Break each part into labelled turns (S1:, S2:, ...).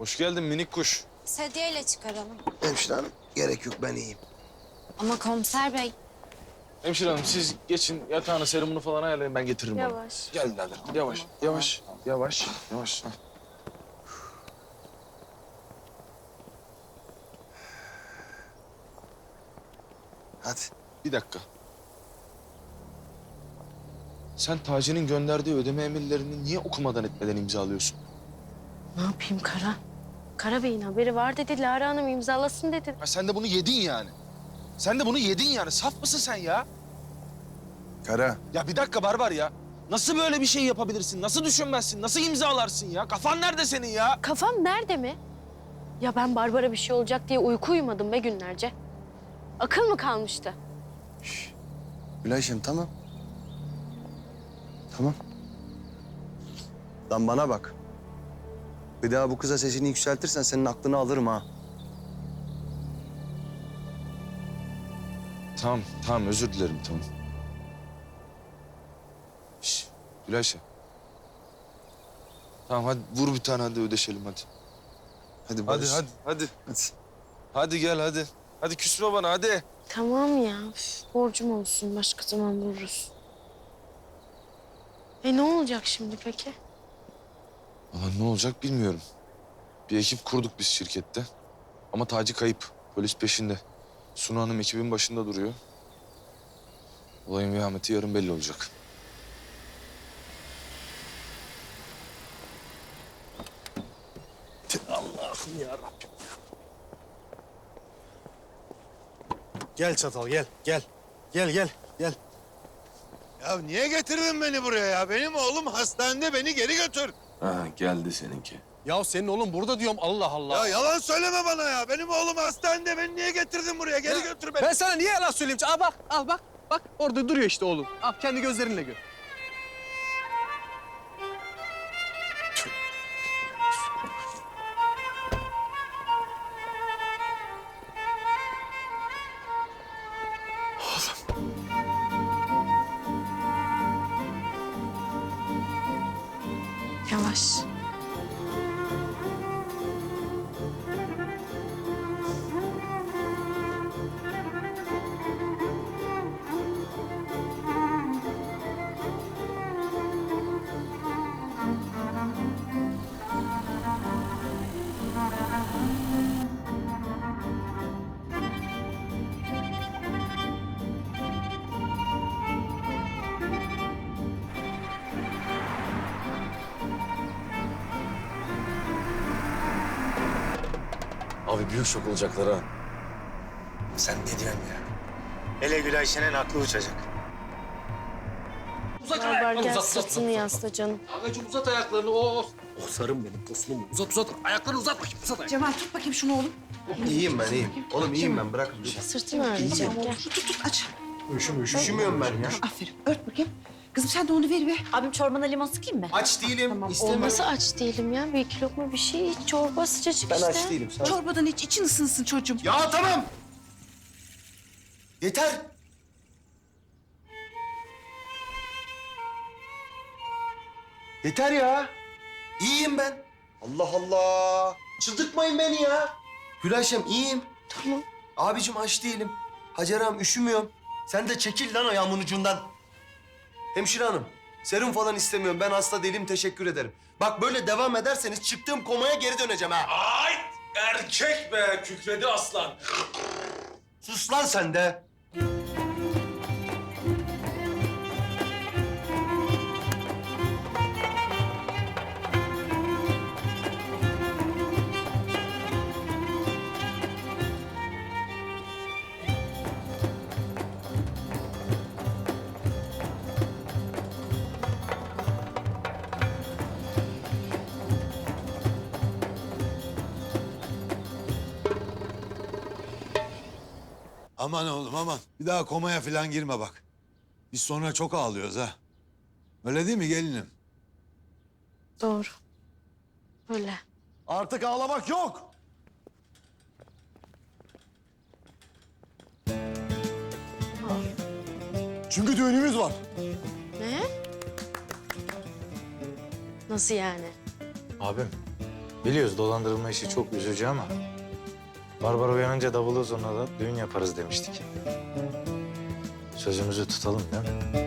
S1: Hoş geldin minik kuş.
S2: Sedyeyle çıkaralım.
S3: Hemşire hanım gerek yok ben iyiyim.
S2: Ama komiser bey.
S1: Hemşire hanım siz geçin yatağını serumunu falan ayarlayın ben getiririm onu.
S2: Yavaş.
S1: Gel birader yavaş yavaş yavaş yavaş.
S3: Hadi.
S1: Bir dakika. Sen Taci'nin gönderdiği ödeme emirlerini niye okumadan etmeden imzalıyorsun?
S4: Ne yapayım Kara? Kara Bey'in haberi var dedi. Lara Hanım imzalasın dedi.
S1: Ha, sen de bunu yedin yani. Sen de bunu yedin yani. Saf mısın sen ya?
S3: Kara.
S1: Ya bir dakika Barbar ya. Nasıl böyle bir şey yapabilirsin? Nasıl düşünmezsin? Nasıl imzalarsın ya? Kafan nerede senin ya?
S4: Kafam nerede mi? Ya ben Barbara bir şey olacak diye uyku uyumadım be günlerce. Akıl mı kalmıştı?
S3: Gülayşem tamam. Tamam. Lan bana bak. Bir daha bu kıza sesini yükseltirsen senin aklını alırım ha.
S1: Tamam, tamam özür dilerim tamam. Şş, Gülayşe. Tamam hadi vur bir tane hadi ödeşelim hadi.
S3: Hadi Barış.
S1: Hadi.
S3: Hadi.
S1: Hadi gel hadi. Hadi küsme bana hadi.
S4: Tamam ya. Üf, borcum olsun. Başka zaman vururuz. Ne olacak şimdi peki?
S1: Valla ne olacak bilmiyorum. Bir ekip kurduk biz şirkette. Ama Taci kayıp. Polis peşinde. Sunu Hanım ekibin başında duruyor. Olayın vehameti yarın belli olacak.
S5: Allah'ım ya Rabbim. Gel Çatal gel gel. Gel.
S6: Ya niye getirdin beni buraya ya? Benim oğlum hastanede, beni geri götür.
S1: Ha geldi seninki.
S5: Ya senin oğlum burada diyorum Allah Allah.
S6: Ya yalan söyleme bana ya. Benim oğlum hastanede, beni niye getirdin buraya? Geri götür beni.
S5: Ben sana niye yalan söyleyeyim? Al bak al bak. Bak orada duruyor işte oğlum. Al kendi gözlerinle gör.
S4: Yavaş.
S7: Abi büyük şok olacaklar ha.
S3: Sen ne diyorsun ya?
S8: Hele Gülayşe'nin aklı uçacak.
S4: Barbar gel sırtını yasla canım.
S5: Agacım uzat ayaklarını. Oh sarım benim tosunum. Uzat. Ayaklarını uzat bakayım. Uzat ayaklarını.
S9: Cemal tut bakayım şunu oğlum.
S3: İyiyim ben iyiyim. Oğlum iyiyim ben bırakın.
S4: Sırtını ağrıyacak gel.
S9: Tut aç.
S3: Üşümüyorum ben ya.
S9: Aferin ört bakayım. Kızım sen de onu ver be.
S10: Abim çorbana limon sıkayım mı?
S3: Aç değilim.
S4: Nasıl aç değilim ya? Bir iki lokma bir şey iç. Çorba sıcacık
S3: Ben
S4: işte.
S3: aç değilim. Sen...
S9: Çorbadan iç için ısınsın çocuğum.
S3: Ya tamam. Yeter. Yeter ya. İyiyim ben. Allah Allah. Çıldırtmayın beni ya. Gülayşem iyiyim.
S4: Tamam.
S3: Abicim aç değilim. Hacer ağam üşümüyorum. Sen de çekil lan ayağımın ucundan. Hemşire hanım, serum falan istemiyorum. Ben hasta değilim, teşekkür ederim. Bak böyle devam ederseniz çıktığım komaya geri döneceğim ha.
S7: Ay erkek be kükredi aslan.
S3: Sus lan sen de.
S6: Aman oğlum aman. Bir daha komaya falan girme bak. Biz sonra çok ağlıyoruz ha. Öyle değil mi gelinim?
S4: Doğru. Öyle.
S6: Artık ağlamak yok. Çünkü düğünümüz var.
S4: Ne? Nasıl yani?
S7: Abim
S8: Biliyoruz dolandırılma işi çok üzücü ama... Barbara uyanınca davulu zurna da düğün yaparız demiştik. Sözümüzü tutalım değil mi?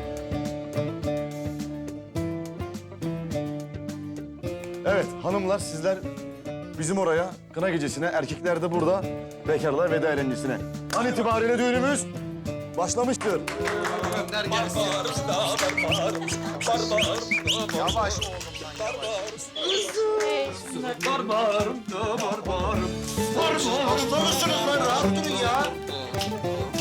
S10: Evet hanımlar sizler bizim oraya kına gecesine, erkekler de burada bekarlar veda eğlencesine. An itibariyle düğünümüz başlamıştır.
S3: Hasta mısınız lan? Rahat durun ya.